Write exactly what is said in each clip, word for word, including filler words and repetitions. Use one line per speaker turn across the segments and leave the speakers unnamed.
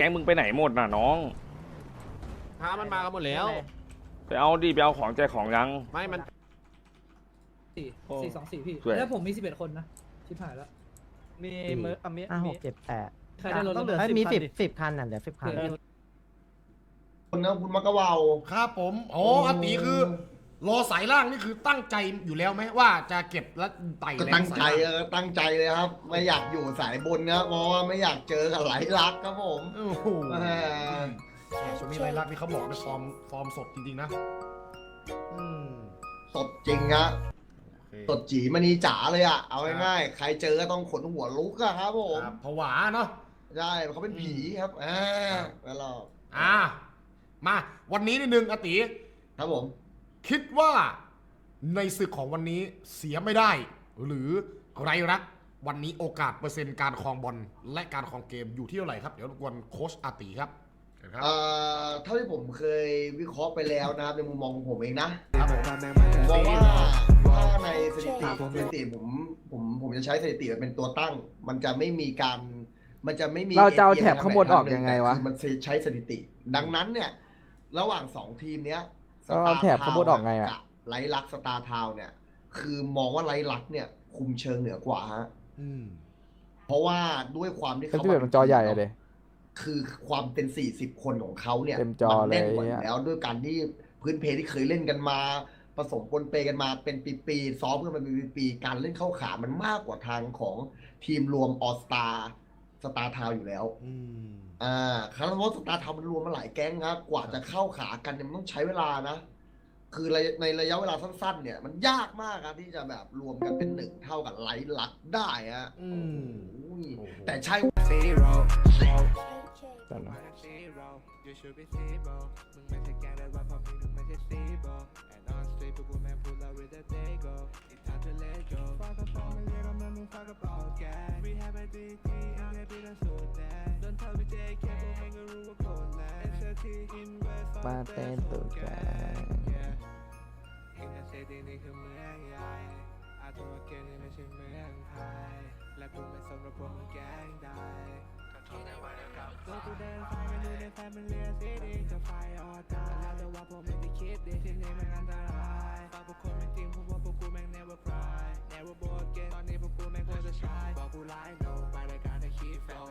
มึงไปไหนหมดน่ะน้อง
พามันมากันหมดแล้ว
ไปเอาดิไปเอาของใจของยัง
ไม่มัน
สี่
โอ้
สี่สองสี่พี่
สวย
แล้วผมมีสิบเอ็ดคนนะชิบหายแล้ว
มีมืออ่ะมี
ห้าห
มี
กเจ็ดแปด
ใครได้รถ
ต้องเหลือ
เอ้ยมี
สิ
สิ
บบ คันดิ
สิบคันน่ะเหลือสิบคัน
เผื่อ
คนนะคุณมักกะวาว
ครับผมอ๋ออาตีคือรอสายล่างนี่คือตั้งใจอยู่แล้วไหมว่าจะเก็บแล้วไต่
ก็
แรง
ตั้งใจ
สาย
เอ
ล่าง
อตั้งใจเลยครับ ไม่อยากอยู่สายบนนะเพราะว่าไม่อยากเจอกับไหลลักครับผม
โอ้โห
แหม
ช่วงนี้ไรลักนี่เขาบอกเป็นฟอร์มฟอร์มสดจริงๆนะอืม
สดจริงฮะ
โอเค
สดจีมณีจ๋าเลยอ่ะเอาง่ายๆใครเจอก็ต้องขนหัวลุกอะครับผม
ครับผวาเนาะ
ใช่เขาเป็นผีครับอ่าแล้วเรา
อ่ามาวันนี้นิดนึงอาติ
ครับผม
คิดว่าในศึกของวันนี้เสียไม่ได้ หรือไรรักวันนี้โอกาสเปอร์เซ็นต์การครองบอลและการครองเกมอยู่ที่เท่าไหร่ครับเดี๋ยวรบกวนโค้ชอาติครับเชิญครับ
เอ่อเท่าที่ผมเคยวิเคราะห์ไปแล้วนะครับในมุมมองของผมเองนะ
ครับผม
ผมมองว่าถ้าในสถิติสถิติผมผมผมจะใช้สถิติเป็นตัวตั้ง มันจะไม่มีการมันจะไม่มี
เราจะเอา
เอีย
แถบข้างบนออกยังไงวะ
คือมันใช้สถิติ ดังนั้นเนี่ยระหว่างสองทีมเนี้ย
เราเอาแถบข้างบนออกไงอะ
กับไลลักสตาร์ทาวเนี่ย คือมองว่าไลลักเนี่ย คุมเชิงเหนือกว่าฮะ
อืม
เพราะว่าด้วยความที่
เป็น
เขา
ที่แบบมันจอใหญ่อะเลย
คือความเป็นสี่สิบคนของเขาเนี่ย
เต็มจอ
มันแน่นกว่า
เลย
อยู่
อะ
แล้วด้วยการที่พื้นเพที่เคยเล่นกันมาผสมปนเปกันมาเป็นปีๆซ้อมกันมาเป็นปีๆการเล่นเข้าขามันมากกว่าทางของทีมรวมออสตาสตาร์ทาวอยู่แล้ว
อืม
อ่าคาร์ลสตาร์ทาวมันรวมมาหลายแก๊งครับกว่าจะเข้าขากันเนี่ยมันต้องใช้เวลานะ คือในระยะเวลาสั้นๆ เนี่ย มันยากมากครับที่จะแบบรวมกันเป็นหนึ่งเท่ากับไลท์ลักได้ฮะ
อืม
โอ้โห
โอ้โห
แต่ใช่
แต่นะ
You should be zero มึงไม่ใช่แกได้ว่าพอมีมึงไม่ใช่ zero And on street พวกกูแม่ง pull up with the day go It's time to let go ฝากกระเป๋ามาเรียกเอาเงินมึงฝากกระเป๋าแก We have a D T เอาไงพี่ต้องสูดแดง Don't tell me J K พวกแม่งก็รู้ว่าโคตรแรง S L T invest
มาเต้นตัวแกง
อินเตอร์เซตีนี่คือเมืองใหญ่อาตัวเกมนี่ไม่ใช่เมืองไทยและกูไม่สนว่าพวกมึงแกล้งได้ตัวกูเดินสายกันอยู่ในแฟมิเลียซีดีจะไฟออตายแล้วแต่ว่าพวกมึงจะคิดดีที่นี่มันอันตรายฝากพวกคนเป็นทีมเพราะว่าพวกกูแม่ง never cry never bored again ตอนนี้พวกกูแม่งโคตรจะ try บอกกูไลน์ no ไปรายการให้คิด flow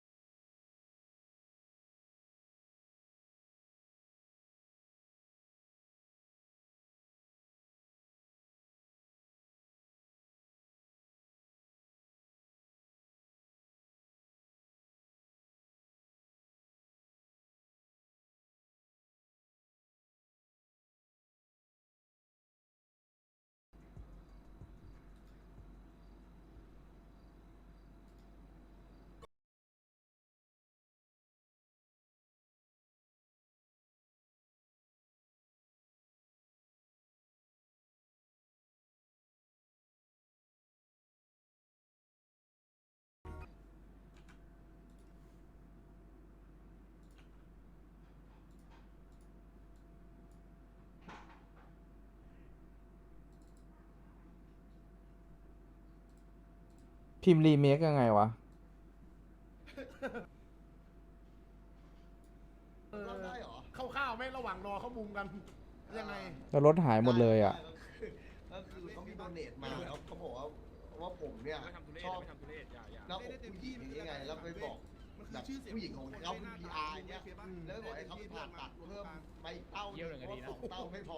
พิมพ์รีเมคยังไงวะ
รับได้เหรอ
เข้าวๆไหมระหว่างรอเขามุมกันยังไง
แล้วรถหายหมดเลยอ่ะ
ก็คือเขามีโดเนทมาแล้วเขาบอกว่าว่าผมเนี่ยชอบหน้าอกผู้หญิงยังไงแล้วไปบอกแบบผู้หญิงของเขาเป็น พี อาร์ เนี่ยแล้วบอกให้เขาไปผ่าตัดเพิ่มไปเต้าเพราะสองเต้าไม่พอ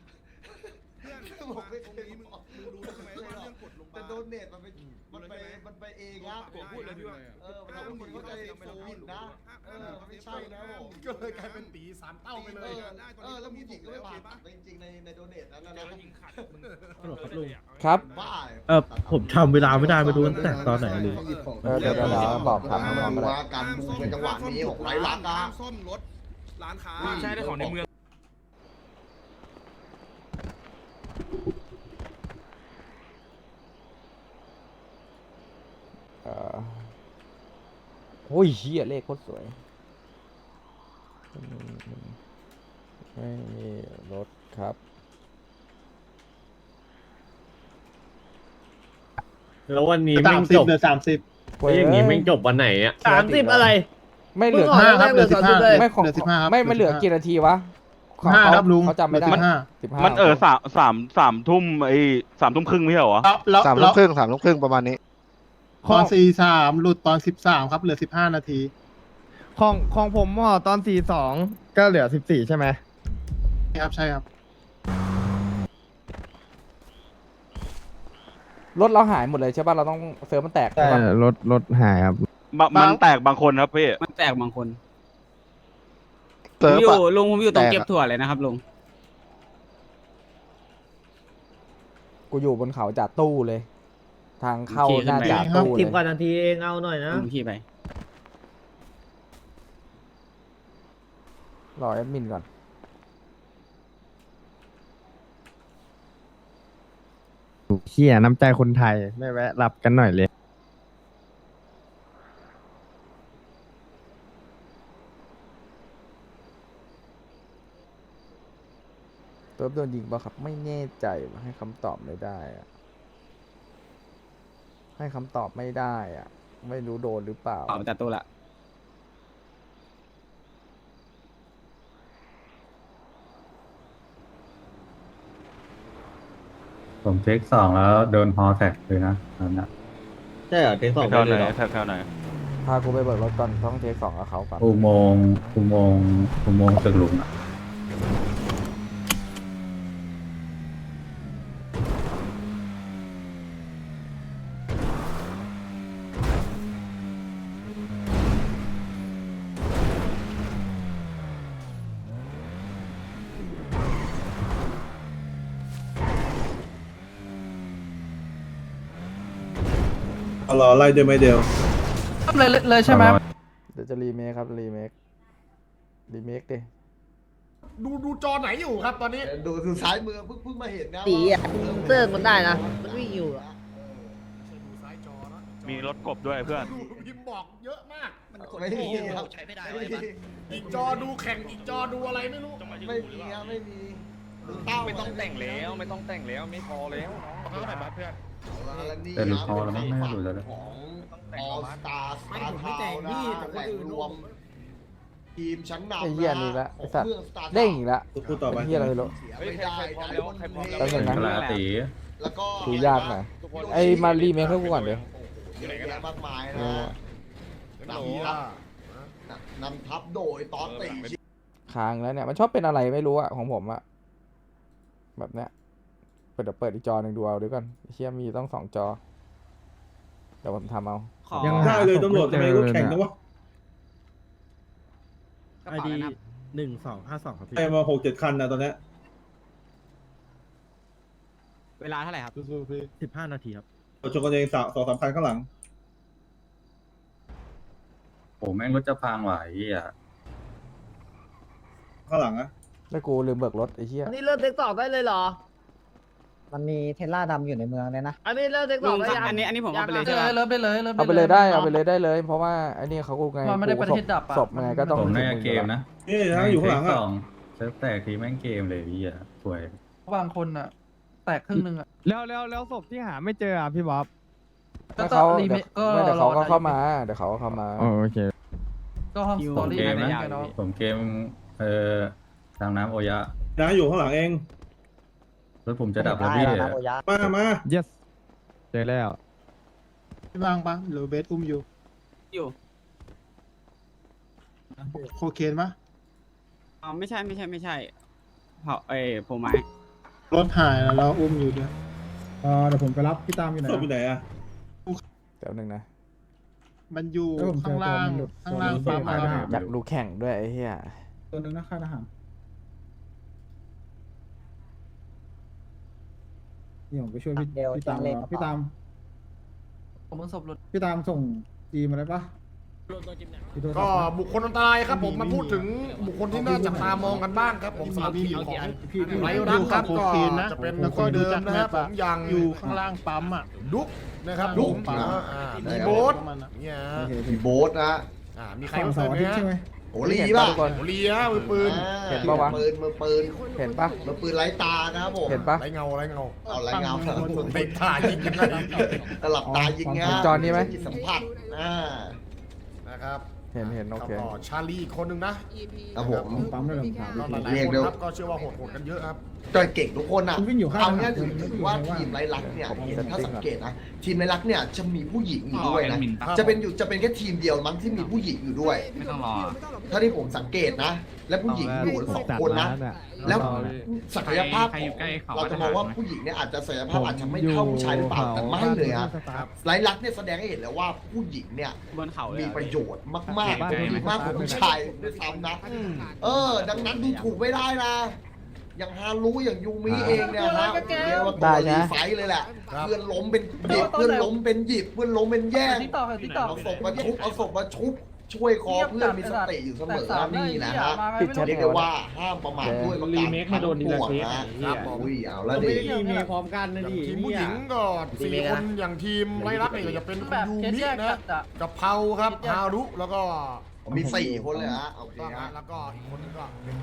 ผมไม่เคยบอกมึงรู้ใช่ไหมว่าเรื่องกดลงแต่โดเนทมันไปมันไปมันไปเองนะผมพูดเลยพี่ว่าเออมันทำให้คนเข้าใจโฟนนะเออมันไม่ใช่นะผม
ก็เลยกลายเป็นตีสามเต้าไปเลย
เออแล้วผู้หญิงก็ไม่ผ่าตัดจริงๆในในโดเนทนั้นนะ
ครับ
บ้า
เออผมทำเวลาไม่ได้ไม่รู้ตั้งแต่ตอนไหนเลย
เออเดี๋ยวเดี๋ยวเดี๋ยวบอกถามน้องๆก็ได้
ว่าการบูมในจังหวะนี้ของไรลักนะ
ซ่อมรถร้านค้า
ใช่ได้ของในเมือง
เออโอ้ยเฮียเลขโคตรสวยไม่มีรถครับ
แล้ววันนี้
สา
แม่
ม
ง
สิ
จ
บบ เหลือสามสิบ
แล้วอย่างนี้แม่งจบวันไหนอ่ะ
สามสิบอะไร
ไม่เหลือ
ห้าครับเหลือสิบห้า
ไม่ของ
เหลือสิบห้าครับ
ไม่มันเหลือกี่นาทีวะของ
ห้า
เขา
ครับลุง
เขาจำไม่ได้
เหลือสิบห้า
สิบห้า
มันเออสามสามสามทุ่มไอ้สามทุ่มครึ่งไม่ใช่เหรอ
แล้วแล้ว
สาม
แล้
ทุ่
ว
มครึ่งสามทุ่มครึ่งประมาณนี้
ตอนสี่สามหลุดตอนสิบสามครับเหลือสิบห้านาที
ของของผมอ่ะตอนสี่สองก็เหลือสิบสี่ใช่ไหม
ครับใช่ครับ
รถเราหายหมดเลยใช่ป่ะเราต้องเซิร์ฟมันแตก
ใช่
ใช่ป่ะ
รถรถหายครับ
บะมันแตกบางคนครับพี่
มันแตกบางคน
เซิร์ฟ
ผมอยู่
อะ
ลุงผมอยู่ตรง
แตกอะ
เก็บถั่วเลยนะครับลุง
กูอยู่บนเขาจ่าตู้เลย ทางเข้า
โอเค
หน้า
ขึ้นไป
จ่าตู้เล
สิบ
ย
กว่านาทีเองเอาหน่อยนะ
ลุงขี่ไป
รอแอดมินก่อน
เชี่ยน้ำใจคนไทยไม่แวะรับกันหน่อยเลย
เติร์ฟโดนยิงป่ะครับไม่แน่ใจว่ะให้คำตอบไม่ได้อะให้คำตอบไม่ได้อะไม่รู้โดนหรือเปล่า
ออกมาจากตู้ละ
ผมเทคสองแล้วโดนฮอแท็กเลยนะตอนนั้น
ใช่เหรอเทคสอง
แถวไหนแถวแถวไหน
พากูไปเบิกรถก่อนต้องเทคสองกับเขาก่อน
อุโมงค์อุโมงค์อุโมงค์ตึกหลุมอะ
รอไล่ด้วยไม่เดียว
เลยเลยใช่ไหม
เดี๋ยวจะรีเมคครับรีเมครีเมคดิ
ดูดูจอไหนอยู่ครับตอนนี้
ดูดูซ้ายมือเพิ่งเพิ่งมาเห็นนะ
ตีอ่ะ
ว่า
เซิร์ฟมันได้นะ มันวิ่งอยู่อะ
ดูซ้ายจอนะ
มีรถกบด้วยเพื่อน
ดูพิมพ์บอกเยอะมาก
ไม่มีครับใช้ไม่ได้ไม่มี
อีกจอดูแข่งอีกจอดูอะไรไม่รู้
ไม่มีครับไม่มีดูเต้า
ไม่ต้องแต่งแล้วไม่ต้องแต่งแล้วไม่พอแล้วน้องเพื่อน
แล้วนี่
แต่หลุดฮอแล้วมั้งไม่น่าหลุดแล้วนะ
ของออสตาร์สตาร์ทาวน์นะแหล่งรวมทีมชั้นนำ
ไอ้เหี้ยนี่ละ
ข
ไอ้
อง
สัตว์
เมืองสตาร์
เด้งอีกละ
พูดต่อไป
ไอ้เหี้ยอะไรไม่รู้
เสียไม่ได้นะ
แป๊บนึงนะ
กะลาตี
แล้วก็
ดูยากหน่อยไอ้มารีเมคให้กูก่อนเดี๋ยว
เยอะแยะมากมายนะนำทัพนำทัพโดยตอนตีชิ
ค้างแล้วเนี่ยมันชอบเป็นอะไรไม่รู้อะของผมอะแบบเนี้ยเปิดเดี๋ยวเปิดอีกจอหนึ่งดูเอาเดี๋ยวก่อนไอ้เชี่ยมีต้องสองจอเดี๋ยวผมทำเอา
ขอ
ยัง
ได้เลยตำรวจทำไมก็แข่งนะวะ
กระเป๋าแล้วนะครับ
หนึ่งสองห้าสองครับพี่
ไอ้มาหกเจ็ดคันนะตอนเนี้ย
เวลาเท่าไหร่ครับ
สู้ๆพี่
สิบห้านาทีครับ
เราชนกันเองสามสองสามคันข้างหลัง
โอ้แม่งรถจะพังว่ะไอ้เหี้ย
ข้างหลังอะ
แล้วกูลืมเบิกรถไอ้เชี่ย
อันนี้เริ่มเทคสองได้เลยเหรอ
มันมีเทสลาดำอยู่ในเมืองเลยนะ
อันนี้เริ่มเทคส
ลุ
อง
ง
ได้
ครับ
ยัง
อันนี้อันนี้ผมเอาไปเลย
ยัง
ใช่ไหม
เริ่มได้เลยเริ่ม
เอาไปเลยได้เอาไปเลยได้เลย เพราะว่าไอ้นี่เขากูไง
มันไม่ได้ประเทศดับอะ
ศพไงก็ต้อง
ผมน่าจะ
ถึง
เกมนะ
นี่นะอยู่ข้างหลัง
เทค
อะ
สองเซิร์ฟแตกทีแม่งเกมเลยไอ้เหี้ยสวย
บางคนอ่ะ แตกครึ่งนึงอ่ะ
แล้วแล้วแล้วศพที่หาไม่เจออ่ะพี่บ๊อบ
แล้วเขาเดี๋ยวไม่เดี๋ยวเขาก็เข้ามาเดี๋ยวเขาก็เข้ามา
โอเค
ก็ห้องส
ผ
ตอ
ม
รี่
เกม
นะ
นะ
เนาะ
ผมเกมเอ่อทางน้ำโอยะ
นะอยู่ข้างหลังเอง
รถผมจะดับแล้วพี่
มามา
yes เจอแล้ว
พี่บางปะหรือเบสอุ้มอยู่
อยู่
โคเคนปะ
อ๋อไม่ใช่ไม่ใช่ไม่ใช่เผาเอ้ยผมไม้
รถหายแล้วเราอุ้มอยู่ด้วยเออเดี๋ยวผมไปรับพี่ตามอยู่ไหนศพอยู่ไหนอะ
เดี๋ยวหนึ่งนะ
มันอยู่ข้างล่างข้างล่างปั๊มอะครับ
อยากดูแข่งด้วยไอ้เหี้ย
ตัวนึงนะค่าทหารนี่ผมไปช่วยพี่พี่ตามพี่ตาม
ผมมึงศพหลุด
พี่ตามส่งจีมาได้ปะ
ก็บุคคลอันตรายครับผมมาพูดถึงบุคคลที่น่าจับตามองกันบ้างครับผมสำหรับทีมของไรรักครับก็จะเป็นคนเดิมนะครับผมยัง
อยู่ข้างล่างปั๊มอ่ะ
ดุ๊กนะครับดุ๊กอ่าอ่ามีโบสเนี่ย
มีโบ๊ทนะ
อ่ามีใครมาเสริมไหมฮะ
โอลีป่ะ
ทุกคน
โอเลียมือปืน
อ่า
เห็นปะวะ
มือปืนมือปืน
เห็นปะ
มือปืนไร้ตานะครับผม
เห็นปะ
ไรเงาไรเงา
เอาไร้เงา
ไม่ท่ายิงกันเลย
ตลับตายิง
เห็
งาน
จอนี้ไหม
จิตสัมผัสอ่า
นะครับ
เห็นเห็นโอเค
แล้วก็ชาลีอีกคนหนึ่งนะ
ครับผม
ปั๊มได้เลยผมถาม
ก็หลาย
เรียก
ๆคน
เร็ว
ครับก็เชื่อว่าโหดๆกันเยอะครับ
จอยเก่งทุกคนอ่ะ
คุณวิ่งอยู่ข้าง
เอาง่าย
ถนน
ถือ
คุณ
ถือว่า
วิ่งอยู่
ทีม
ข้าง
ไรลักษณ์เนี่ย
ผม
เห็น
เซ็ต
ถ้า
ติ้ง
สัง
ก่อน
เกตนะทีมไรลักษณ์เนี่ยจะมีผู้หญิงอยู่ด้วยนะ
ครับ
จะเป็นอยู่จะเป็นแค่ทีมเดียวมั้งที่มีผู้หญิงอยู่ด้วย
ไม่ต้องรอ
ถ้าที่ผมสังเกตนะ และผู้หญิงอยู่สองคนนะ แล้วศักยภาพ
ใครอยู่ใกล้เขา
เราจะมองว่าผู้หญิงเนี่ยอาจจะศักยภาพอาจจะไม่เท่าผู้ชายหรือเปล่าแต่ไม่เลยอะไรลักษณ์เนี่ยแสดงให้เห็นแล้วว่าผู้หญิงเนี่ย
บนเขาเลย
มี
อะ
ประโยชน์มากๆดีมากกว่าผู้ชายด้วยซ้ำนะ เออ ดังนั้นดูถูกไม่ได้นะ อย่างฮารุอย่างยูมิเองเนี่ยนะเรียกว่าตัวรีไฟท์เลยแหละ เพื่อนล้มเป็นหยิบเพื่อนล้มเป็นหยิบเพื่อนล้มเป็นแย่งเอาศพมาชุบเอาศพมาชุบช่วยคอเพื่อนมีสติอยู่เสมอนะนี่นะฮะเรียกได้ว่าห้ามประมาทด้วยประการทั้งปวงนะครับอุ้ยเอาแล้วดิ
มีพร้อมกันนะดิ
ทีมผู้หญิงก็สี่คนอย่างทีมไรลักเนี่ยก็จะเป็นคุณยูมินะกับเพาครับฮารุแล้วก็
ผมมีสี่คนเลยฮะโอเค
ต้อง
ฮะ
แล้วก็อีกคนนึงก็เป็น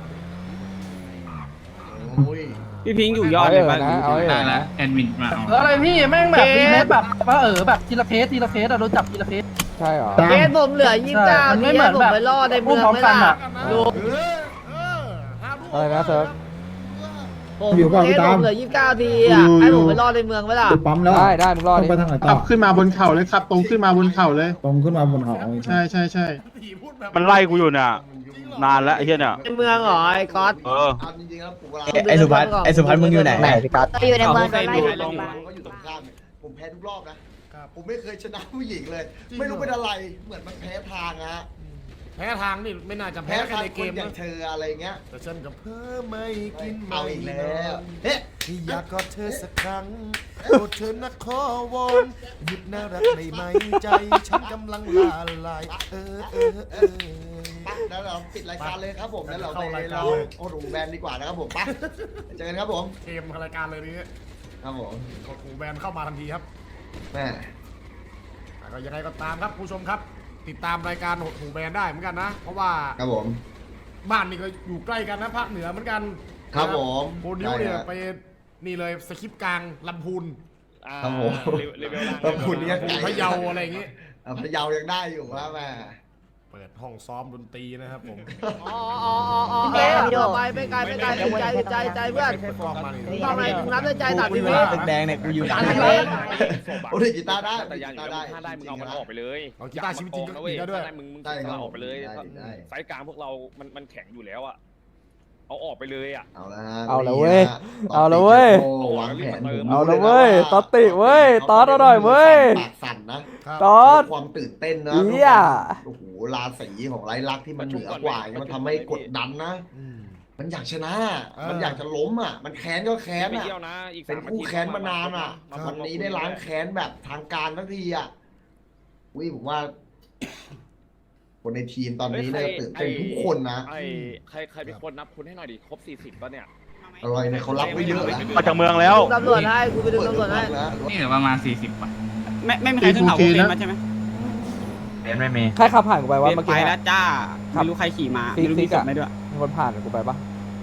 โอ้ย
พี่พิงค์อยู่ยอดเลยป่ะ
เอาเลยนะเอาเลยนะ
ได้แล้วแอดมินมาเอา
อะไรพี่แม่งแบบมีเพชรแบบว่าเออแบบทีละเพชรทีละเพชรอะโดนจับทีละเพชร
ใช่เหรอ
เพชรผมเหลือยี่สิบเก้าไม่เหมือนผมไปล่อในเมืองไม่ล่ะ
เออเออฮารุ
อะไรนะเซิร์ฟ
ผมเพชรผมเหลือยี่สิบเก้าทีอ่ะให้ผมไปล่อในเมืองไม่ล่ะ
ดูปั๊มแล้ว
ได้ได้มึงรอ
ต้อ
ดิ
งไปทางไหนต่
ขั
อบ
ขึ้นมาบนเขาเลยครับ ตรงขึ้นมาบนเขาเลย
ตรงขึ้นมาบนเขา
ใช่ใช่ใช่
พูดแบบ
มันไล่กูอยู่เนี่ยนานแล้วไอ้เหี้ยเนี่ย
ในเมืองเหรอไอ้ก๊อต
เออ
เอาจริงๆแล้วผมเวลา
ไอ้สุพัฒน์ไอ้สุพัฒน์มึงอยู่ไหน
ไหน
พี่ก๊อต
อยู่ในเมืองโดนไล่
อยู่
อยู่
ตรง
เขาอยู่ตรงข้ามเนี่ยผมแพ้ทุกรอบนะ ผมไม่เคยชนะผู้หญิงเลย ไม่รู้เป็นอะไร เหมือนมันแพ้ทางอะ
แพ้ทางนี่ไม่น่าจะ
แพ้
แพ้แค่
ทาง
ใน
ค
เก
น
ม
อย่า
นะ
งเธออะไรเงี้ย
แต่ฉันกับเพิ่มไม่กิน
เอาอีกแล้วเฮ้
ที่อยากกอดเธอสักครั้งโปรดเธอนะขอวอนหยุดน่ารักในไหมใจฉันกำลังละลายเออเออเออ
ปะแล้วเราปิดรายการเลยครับผมแล้วเราไปเราโอ้โหแบนดีกว่านะครับผมปะเจอกันครับผม
เกมรายการเลยนี้
ครับผม
กดหูแบนเข้ามาทันทีครับ
แม่
แต่ก็ยังไงก็ตามครับผู้ชมครับ ติดตามรายการหดหูแบนได้เหมือนกันนะ เพราะว่า
ครับผม
บ้านนี่ก็อยู่ใกล้กันนะภาคเหนือเหมือนกัน
ครับผม
โบนิวเนี่ย
ได้ฮะ
ไปนี่เลยสคริปต์กลางลำพูน
ครับผม
เลเวลล่าง
ขอบคุณเนี่ยไก่
พะเยาอะไรอย่างงี้
อ่ะพะเยายังได้อยู่ว่าแม่
เปิดห้องซ้อมดนตรีนะครับผม
อ๋ออ๋ออ๋ออ๋อไปไปไกลไปไกลใจใจใจเพื่อน
เปิดกล้องมานี่
ทำไมมึงรับด้วยใจตัดทีวี
ตึกแดงเนี่ยกูอยู่
ตัดทีวี
โอ้ยกีตาร์ได้
แต่ยังอยู่
กีตาร์
แล้ว
ได้
มึงถ้าได้มึงเอามันออกไปเลย
เอากีตาร์ชีวิตจริงก็
นะเว้ย
ได้ด้วย
ถ้าได้มึงมึง
ได้ครับ
เอาออกไปเลย
ได้ได้
สายกลางพวกเรามันมันแข็งอยู่แล้วอะเอาออกไปเลยอะ
เอาละฮะ
เอาละเว้ย
นี่นะ
เอาละเว้ย
โอ้วางแผนผม
เอาละเว้ยตอตติเว้ยตอตเอาหน่อยเว้ย
ปากสั่นนะ
ตอต
ความตื่นเต้นนะ
เหี้ย
โอ้โหราศีของไรลักษณ์ที่มันเหนือกว่าเนี่ยมันทำให้กดดันนะ
อืม
มันอยากชนะ
เออ
มันอยากจะล้มอ่ะ มันแค้นก็แค้น
ไม่
อ่ะ
เที่ยวนะอีก
เป็น
สาม
คู่
อาทิตย์
แค้นมานานอ่ะ
มา
วันนี้ได้ล้างแค้นแบบทางการทันทีอ่ะอุ้ยผมว่า คนในทีมตอนนี้เนี่ยตื่นเต้นทุกคนนะ
ไอ้ใครใครเป็นคนนับคุณให้หน่อยดิครบสี่สิบป่ะเนี่ย
อร่อยเนี่ยเขารับไว้เยอะนะ
มาจากเมืองแล้ว
ตำรวจให้กูไปดูตำรวจให้
แล้ว
นี่เหลือประมาณสี่สิบป่ะไม่ไม่มีใครขึ้นเขาโอเคมาใช่ไหม
ไม่มี
ใครขับผ่านกูไปวะ
เปลี่ย
เมื่อน
ไป
กี้
แล้วจ้าไม่รู้ใครขี่มา
ซิก
ไม่รู้
ซิ
มี
ก
ศ
อะ
พไหมด้วย
มีคนผ่านกูไปปะ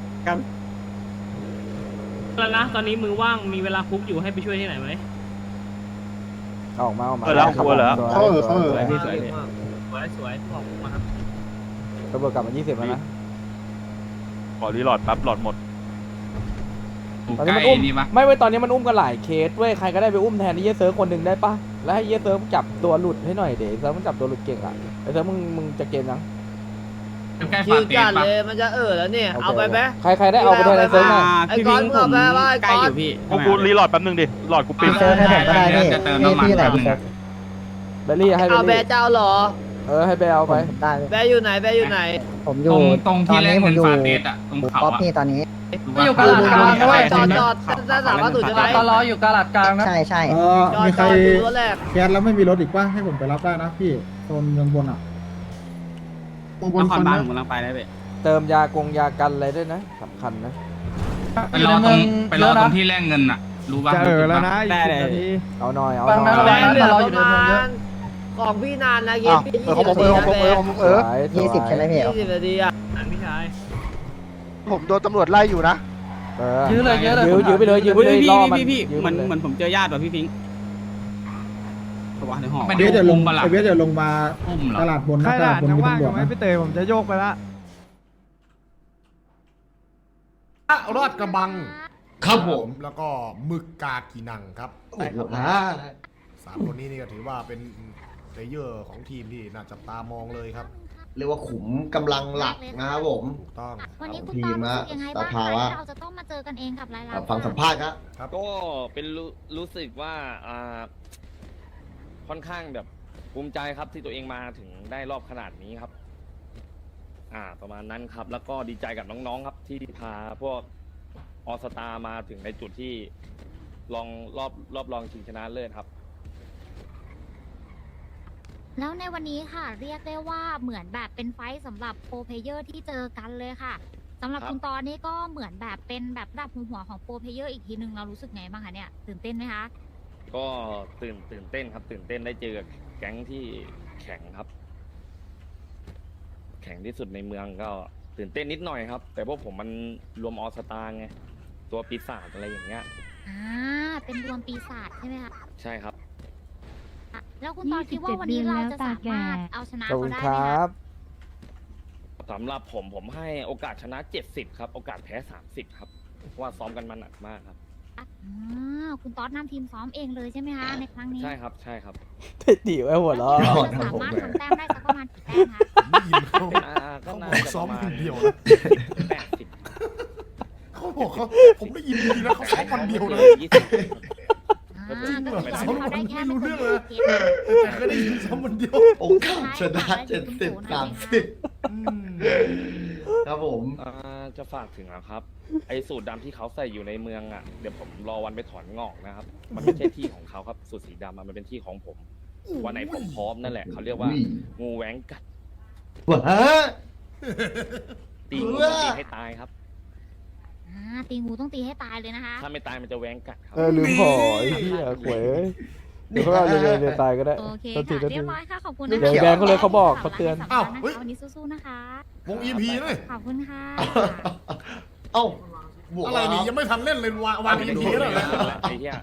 แล้วนะตอนนี้มือว่างมีเวลาคุกอยู่ให้ไปช่วยที่ไหนไหม
เอาออกมาออกมา
เออแล้วกลัวเหรอ
เขาเออเขาเออ
สวยพี่สวยพี่สวยสวยขอบคุณมากครับ
ตำรวจกลับมายี่สิบแล้วนะ
ขอรีโหลดปั๊บหลอดหมด
ตอนนี้มันอุ้มไม่เว้ยตอนนี้มันอุ้มกันหลายเคสเว้ยใครก็ได้ไปอุ้มแทนไอ้เหี้ยเซิร์ฟคนหนึ่งได้ปะแล้วให้เหี้ยเซิร์ฟจับตัวหลุดให้หน่อยเดี๋ยวเซิร์ฟมันจับตัวหลุดเก่งอ่ะไอ้เซิร์ฟมึงมึงจะเกมยัง
คิวจัดเลยมันจะเออแล้วเนี่ยเอาไปไหม
ใครใครได้เอาไปด้วยไอ้เซิร์ฟหน่อย
ไอ้ก้อนมึงเอาไปว่าไอ้
ใกล้
ก้อ
อน ยู่พี่
กูรีโหลดแป๊บนึงดิหลอดกูปิด
เจอให้ผมก็ได้พี่พี่พี่ไหนพี่
เบลลี่ให้เบ
เอา
ล
แบ
ลี่
ร์เจ้าเหรอ
เออให้เบลเอาไป
ได้
แบร์อยู่ไหนแบร์อยู่ไหน
ผมอยู่ตรงที่แรกเงินฟาเดสอ่ะตรงเขาอ่ะพี่ตอนนี้
อยู่กาลาดกลางด้วยจอดจอดด้านหลังวัตถุใช่ไหมตลออยู่กาลาดกลางนะ
ใช่ใช่
เออ
จอด
มี
จ
ใคร
อดดูรถแรก
แคสแล้วไม่มีรถอีกป่ะให้ผมไปรับได้นะพี่โซนเมืองบนอ่ะเมืองบ
น
น
ค
ค
ร
น
บาล
นะ
ผมกำลังไปได้เว้ย
เติมยากงยากันอะไรด้วยนะสำคัญนะ
ไปรอตรงไปรอตรงที่แลกเงินอ่ะรู้ป่ะ
จะเออแล้วนะอีก
ได้
สิบ
เลย
นาที
เอาหน่อยเอา
บาง
หน่
นา
อย
แบร์เหลือประมาณของพี่นานนะเย็นพี่ยี่สิบนาทีนะแบร์
สวย
ยี่สิบใช่ไหมพี่
ยี่สิบนาทีอ่ะ
นั่นพี่ชาย
ผมโดนตำรวจไล่อยู่นะ
เออ
ยื้อเลยยื้อเลย
ยื้อยื้อไปเลยยื้อไปเลย
พี่
ล่อมัน
พี่พี่
ยื้อ
เหมือน
ไปเลย
เหมือนผมเจอญาติว่ะพี่พิงค์ตัวในห้อง
ไม่
เว
ได้
สเดี๋ยวล
อุ้
ง
มปะล่ะ
ไอเวสเดี๋ยวลงมา
อุ้มเหรอ
ตลาดบน
ใคร
นะต
ด่า
ลาดบน
ยัง
มี
ว่าง
ตำร
อ
วจ
ยู่ไหม
นะ
พี่เตยผมจะโยกไปละ
รอดกระบัง
ครับผม
แล้วก็หมึกกากีนังครับ
โอ้โหฮะ
สามคนนี้นี่ก็ถือว่าเป็นเพลเยอร์ของทีมที่น่าจับตามองเลยครับ
เรียกว่าขุมกำลังหลักนะครับผม
ถูกต้อง
วันนี้คุณ
ที
ตอ
ม
นรู้
นะ
สึกยังไง
ส
บ้าง
ภา
คะ
วะ
ที่เราจะต้องมาเจอกันเองกับรายรับ
ฟังสัมภาษณ์ครับ
ครับ
ก็เป็นรู้รู้สึกว่าอ่าค่อนข้างแบบภูมิใจครับที่ตัวเองมาถึงได้รอบขนาดนี้ครับ อ่า ประมาณนั้นครับ แล้วก็ดีใจกับน้องๆครับ ที่พาพวกออสตามาถึงในจุดที่ลองรอบรอบรองชิงชนะเลิศครับ
แล้วในวันนี้ค่ะ เรียกได้ว่าเหมือนแบบเป็นไฟท์สำหรับโปรเพลเยอร์ที่เจอกันเลยค่ะสำหรับ
ครับ
คุณตอนนี้ก็เหมือนแบบเป็นแบบระดับหัวหัวของโปรเพลเยอร์อีกทีหนึ่งเรารู้สึกไงบ้างคะเนี่ยตื่นเต้นไหมคะ
ก็ตื่นตื่นเต้นครับ ตื่นเต้นได้เจอกับแก๊งที่แข็งครับ แข็งที่สุดในเมืองก็ตื่นเต้นนิดหน่อยครับ แต่พวกผมมันรวมออสตาไงตัวปีศาจอะไรอย่างเงี้ย
อ่าเป็นรวมปีศาจใช่ไหมคะ
ใช่ครับ
อ่ะแล้วคุณตอนคิดว่าวันนี้เราจะสามารถเอาชนะ
ขอบคุ
เขา
ณ
ได้
ค
ไหม
รั
คะ
บ
สำหรับผมผมให้โอกาสชนะเจ็ดสิบครับ โอกาสแพ้สามสิบครับเพราะว่าซ้อมกันมาหนักมากครับ
อ่าคุณตอนนำทีมซ้อมเองเลยใช่ไหมคะในครั้งนี้
ใช่ครับใช่ครับ
เท่ดีไว้หัวเราะ
แล้วคิดว่าจะสามารถทำแต้มได้สักประมาณกี่แต้มคะ
ไม่ยินเขา
อ่าก็
เขาบ
น่า
อก
จะ
ซ้อ
ป
ม
ระมา
ค
ณ
นเดียวนะ
แปดสิบ
เขาบอกเขาผมได้ยินดีนะเขาซ้อมวันเดียวนะ
ยี่สิบ
อ่าก็คือซ้อมเขาได้แค่ไม่เกินยี่สิบเกม
แต่เคยได้ยินซ้อมวันเดียว
โอกาสชนะเจ็ดสิบสามสิบครับผม
อ่าจะฝากถึงนะครับ ไอ้สูตรดำที่เขาใส่อยู่ในเมืองอ่ะเดี๋ยวผมรอวันไปถอนงอกนะครับ มันไม่ใช่ที่ของเขาครับสูตรสีดำอะมันเป็นที่ของผม วันไหนผมพร้อมนั่นแหละเขาเรียกว่า
อุ้ย
งูแหวงกัด
ว้า
ตีงู
เพื่อ
ตีให้ตายครับ
อ่าตีงูต้องตีให้ตายเลยนะคะ
ถ้าไม่ตายมันจะแหวงกัดครับ
เออลืมห่อไอ้เหี้ยหวยเอ้ยเดี๋ยวเขาเอาเรียนเรียนตายก็ได้
โอเค
โทษที
ค่ะ
โทษ
เรีย
ที
บร้อยค่ะขอบคุณ
เดี๋
นะ
ยว
คะ
แบงค์เขาเลยเขาบอกเขาเตือน
อ้าวเฮ้ย
วันนี้สู้ๆนะคะ
วง อี พี เลย
ขอบคุณค่ะ
เอ้าบวก
อะไรนี่ยังไม่ทันเล่นเลยวางวาง อี พี แล้วเหรอ
ไอ้เหี้ย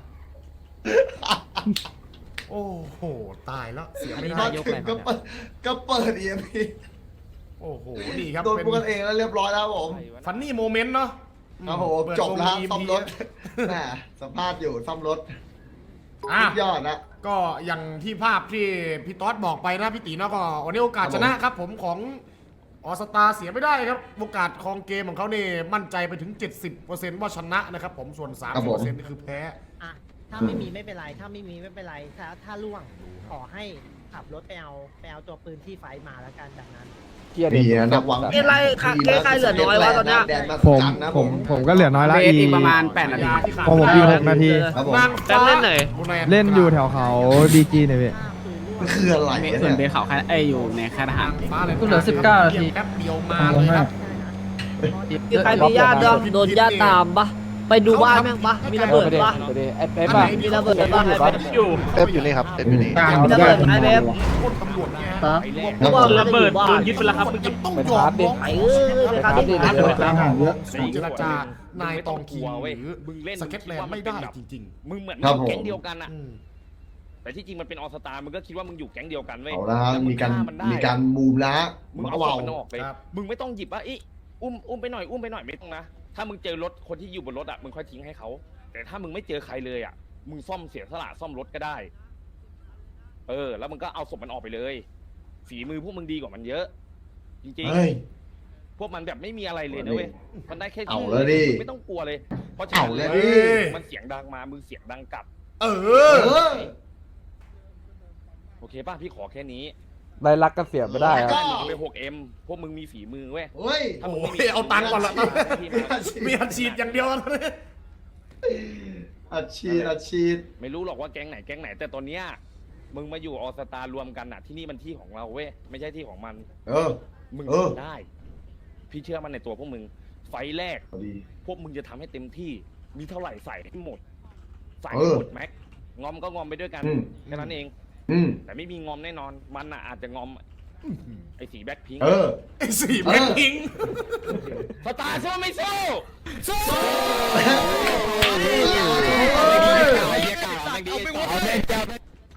โอ้โหตายแล้วเสียไม่
มา
ได้
ถึงก็เปิดก็เปิดเอ็มพี
โอ้โหนี่ครับ
โดน
เป็น
พวกกันเองแล้วเรียบร้อยแล้วผม
ฟันนี่โมเมนต์เนาะ
ครับผม
เปิด
จบแล้ว
วง
ซ่อม
อี
ร
พี
ถแหมสัมภาษณ์อยู่ซ่อมรถ
อ่ะ
สุดยอดนะ
ก็อย่างที่ภาพที่พี่ต๊อดบอกไปนะพี่ตีเนาะก็วันนี้โอกาสชนะครับผมของออสตาเสียไม่ได้ครับโอกาสครองเกมของเขาเนี่ยมั่นใจไปถึง เจ็ดสิบเปอร์เซ็นต์ ว่าชนะนะครับผมส่วน
ครั
สาม
บ
สิบ
ผม
เปอร์เซ็นต์นี่คือแพ้
อ่ะถ้าไม่มีไม่เป็นไร ถ้าไม่มีไม่เป็นไร ถ้าถ้าล่วงขอให้ขับรถไปเอาไปเอาตัวปืนที่ไฟมาแล้วกันแบบนั้น
เกียร์
ดี
เด็
นะนักหวัง
เกมไรค่ะเกมใครเหลือน้อยวะตอนเนี้ย
แดนมา
ผม
จังนะ
ผ
ผม ม
ผมก็เหลือน้อยละ
เบส
อี
อีกประมาณแปดนาที
ของผมอีกหกนาที
ครับผม
นาง
แป๊บ
ฟ้า
เล่นไหน
เล่นอยู่แถวเขาดีจีเนี่ยพี่
มันคืออะไร
เบส
เนี่ย
ส่วนเบสเขาแค่ไอยอยู่ในค่ายทหาร
ฟ้าเลย
กูเหลือสิบเก้านาที
แป๊บเดียวมาเลยครับ
มีใครมีญาติด้วยโดนญาติตามปะไปดูบ้านแม่งปะมีระ
เอ
เบิ
อ
ด
ไปเด็
ปะ
ไปเด็ไอ้เป๊ปอะ
มีระเบิดปะ
อยู่ปะ
อยู่
เป๊ปอยู่นี่ครับเป๊ปอยู่นี่
กลาง
มีระเบิดไอ้เบฟ
คนตำรวจเนี่ย
ครับ
ไอ้แรก
ครับผม
ระเบิดโดนยึดไปแล้วครับ
ยังต้อง
ไป
ยอ
ชาร์
ม
จดิ
น้อง
ไปเออไปครับดิ
ไปครับดิ
กลางห่างเยอะ
สู้เจรจานายตองคิง
เว้ย
หรือ
มึงเล่น
สเก็ตแลนด์ไม่ได้จริง
มึงเหมือน
ครับผม
แก๊งเดียวกันอะ
ๆอืม
แต่ที่จริงมันเป็นออสตามึงก็คิดว่ามึงอยู่แก๊งเดียวกันเว้ย
เอาละฮะ
แต่ง
มีการ
ฆ่นได้
มีการมูมนะ
มึง
มา
เอา
ว่า
ศพมันออกเลย
ครับ
มึงไม่ต้องหยิบว่าอีอุ้มอุ้มไปหน่อยอุ้มไปหน่อยไม่ต้องนะ ถ้ามึงเจอรถคนที่อยู่บนรถอ่ะมึงค่อยทิ้งให้เขา แต่ถ้ามึงไม่เจอใครเลยอ่ะ มึงซ่อมเสียสละซ่อมรถก็ได้ เออ แล้วมึงก็เอาศพมันออกไปเลย ฝีมือพวกมึงดีกว่ามันเยอะ จริง
เฮ้ย
ๆ พวกมันแบบไม่มีอะไรเลยนะเว้ย มันได้แค่
เอา
ชื่
แล้วดิ
มึงไม่ต้องกลัวเลย เพราะฉะนั้น
เอาแล้วดิ
มันเสียงดังมา มึงเสียงดังกลับ
เอ
เอ
อ
อ
โอเคป่ะพี่ขอแค่นี้
ได้รักก็เสียไม่ได้ค
ก็
รับ
มึงไป หกเอ็ม พวกมึงมีฝีมือเว้ย
เฮ้ย
ถ้ามึง
โอ้
ไม่มี
ยเอาตังค์ก่อนละ
พี่
มี
มา
อาชีพ
มีอัดฉีดอย่างเดียวนะ
อาชีพอาชีพ
ไม่รู้หรอกว่าแก๊งไหนแก๊งไหน แต่ตอนเนี้ยมึงมาอยู่ออสตารวมกันอ่ะ ที่นี่มันที่ของเราเว้ยไม่ใช่ที่ของมัน
เออ
มึง
เออ
ทำได้ พี่เชื่อมันในตัวพวกมึง ไฟล์แรก
ดี
พวกมึงจะทำให้เต็มที่ มีเท่าไหร่ใส่ให้หมด ใส่
เอ
ให้
อ
หมดแม็กงอมก็งอมไปด้วยกัน
อืม
แค่นั้นเอง
อืม
แต่ไม่มีงอมแน่นอน มันอ่ะอาจจะงอมไอ้สีแบ็คพิงค์
เออ
ไอ้สี่แบ็คพิงค์
สตาร์สู้ไม่สู้สู้
เ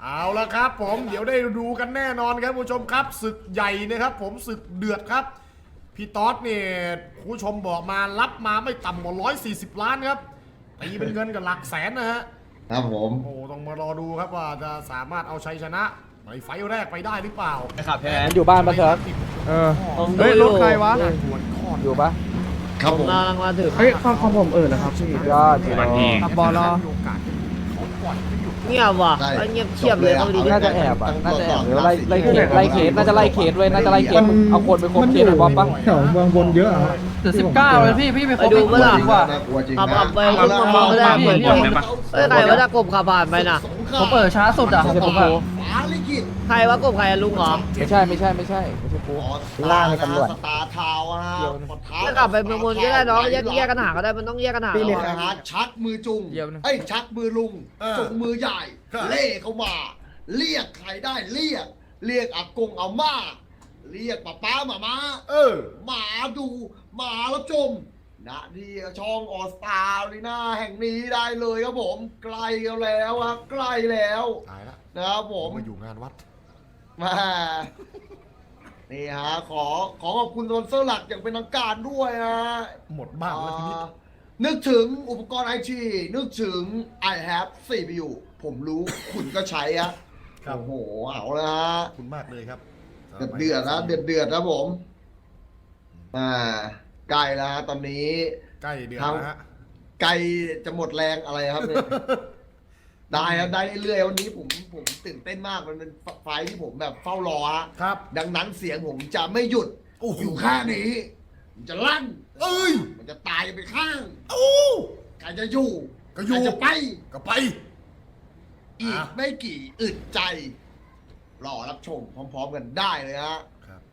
เอาละครับผมเดี๋ยวได้ดูกันแน่นอนครับผู้ชมครับศึกใหญ่นะครับผมศึกเดือดครับพี่ต๊อดเนี่ยผู้ชมบอกมารับมาไม่ต่ำกว่าร้อยสี่สิบล้านครับตีเป็นเงินกับหลักแสนนะฮะ
ครับผม
โอ้ต้องมารอดูครับว่าจะสามารถเอาชัยชนะในไฟล์แรกไปได้หรือเปล่า
ครับแพ้
มันอยู่บ้านปะเซิร์ฟ
เออเฮ้ยรถใครวะ
อยู่ปะ
ครับผม
กำลังมาถึง
เฮ้ยของของผมเออนะครับพี่
ยอด
วันที่
ขับบอลรอ
เงียบว่ะเงียบเชียบเลยเอาดี
น่าจะแอบอ่ะน่าจะแอบหรือไล่ไล่เคสไล่เคสน่าจะไล่เคสเว้ยน่าจะไล่เคสเอาคนไปคบเคสหน่อยบอมปะ
แถวเมืองบนเยอะอะครับ
เหลือสิบเก้าเลยพี่พี่ไป
ไปดูเมื่อไหร่
ว่าน่ากลัวจริงนะ
ขับขับไปยุ่งมองก็ได้เหมือนพี่เอ้ยใครว่าจะกบขับผ่านไปน่ะ
ผมเปิดช้าสุดอ่ะผมอ่ะ
ฟ้าลิขิต
ใครว่ากบใครอะลุงเหรอ
ไม่ใช่ไม่ใช่ไม่ใช่ไม่ใช่กู
ล่างในตำรวจสตาร์ทาวน์ฮะ
ถ้ากลับไปเมืองบนก็ได้น้องแยกแยกกันหาก็ได้มันต้องแยกกันหา
พี่
เอา
เลย
อะ
นะฮะชักมือจุง
เดี๋ยวนะ
เอ้ยชักมือลุง
เออ
จุงมือใหญ่
ครับ
เล่เข้ามา เรียกใครได้เรียก เรียกอากงอาม่า เรียกป้าป้าหมาม้า
เออ
หมาดูหมารับชมนะที่ช่องออสตาลีน่าแห่งนี้ได้เลยครับผมใกล้กันแล้วครับใกล้แล้ว
ตายละ
นะครับผม
มาอยู่งานวัด
มานี่ฮะขอขอขอบคุณสปอนเซอร์หลักอย่างเป็นทางการด้วยนะ
หมดบ้านแล้วทีนี้
อ่านึกถึงอุปกรณ์ไอทีนึกถึง I have ซี พี ยู ผมรู้ คุณก็ใช้อะ
ครับ
โอ้โหเอาละฮะ
ขอบคุณมากเลยครับ
เดือดเดือดนะเดือดเดือดนะผมอ่าใกล้แล้วฮะตอนนี้
ใกล้เดือน
ทาง
แล้วฮะ
ไกลจะหมดแรงอะไรครับเนี่ย ได้ครับได้เรื่อยๆวันนี้ผมผมตื่นเต้นมากมันเป็นไฟล์ที่ผมแบบเฝ้ารอฮะ
ครับ
ดังนั้นเสียงผมจะไม่หยุด
โอ้โห
อยู่ข้างนี้มันจะลั่น
เอ้ย
มันจะตายไปข้าง
โอ้
ใครจะอยู่
ก็อยู่
ใครจะไป
ก็ไป
อีก
อ่ะ
ไม่กี่อึดใจ รอรับชมพร้อมๆกันได้เลยฮะ